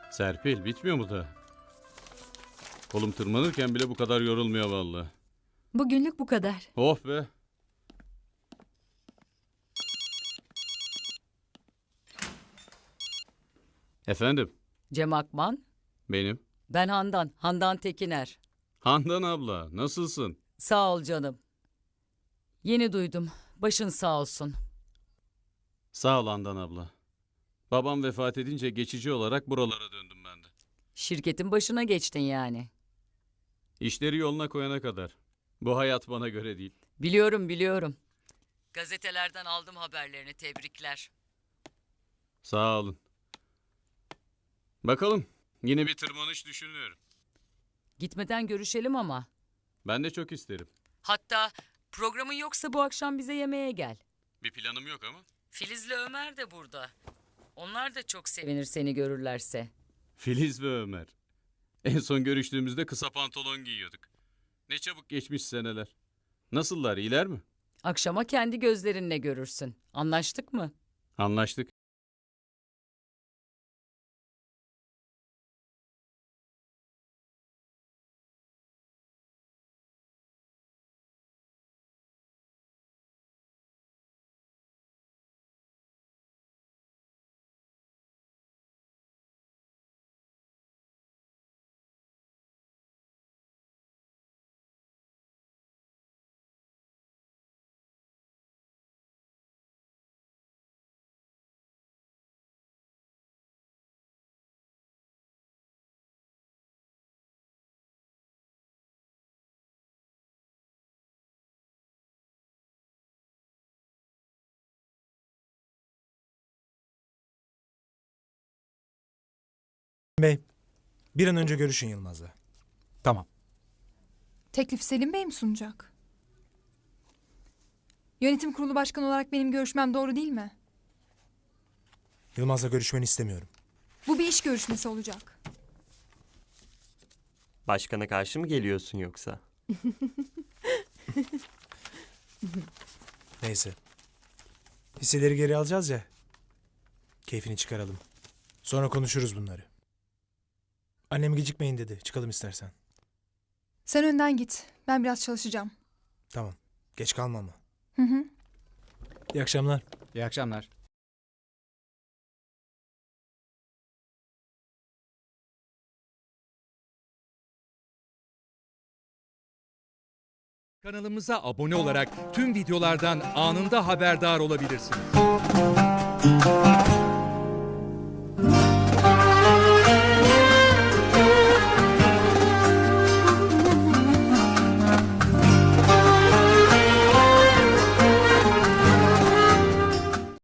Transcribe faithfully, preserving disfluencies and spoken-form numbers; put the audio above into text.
Serpil bitmiyor mu da? Kolum tırmanırken bile bu kadar yorulmuyor vallahi. Bugünlük bu kadar. Oh be. Efendim, Cem Akman, benim. ben Handan, Handan Tekiner. Handan abla, nasılsın? Sağ ol canım. Yeni duydum, başın sağ olsun. Sağ ol Handan abla. Babam vefat edince geçici olarak buralara döndüm ben de. Şirketin başına geçtin yani. İşleri yoluna koyana kadar. Bu hayat bana göre değil. Biliyorum, biliyorum. Gazetelerden aldım haberlerini, tebrikler. Sağ olun. Bakalım, yine bir tırmanış düşünüyorum. Gitmeden görüşelim ama. Ben de çok isterim. Hatta programın yoksa bu akşam bize yemeğe gel. Bir planım yok ama. Filiz'le Ömer de burada. Onlar da çok sevinir seni görürlerse. Filiz ve Ömer. En son görüştüğümüzde kısa pantolon giyiyorduk. Ne çabuk geçmiş seneler. Nasıllar, iyiler mi? Akşama kendi gözlerinle görürsün. Anlaştık mı? Anlaştık. Bey, bir an önce görüşün Yılmaz'la. Tamam. Teklif Selim Bey mi sunacak? Yönetim kurulu başkanı olarak benim görüşmem doğru değil mi? Yılmaz'la görüşmeni istemiyorum. Bu bir iş görüşmesi olacak. Başkana karşı mı geliyorsun yoksa? Neyse. Hisseleri geri alacağız ya. Keyfini çıkaralım. Sonra konuşuruz bunları. Annem gecikmeyin dedi. Çıkalım istersen. Sen önden git. Ben biraz çalışacağım. Tamam. Geç kalma ama. Hı hı. İyi akşamlar. İyi akşamlar. Kanalımıza abone olarak tüm videolardan anında haberdar olabilirsiniz.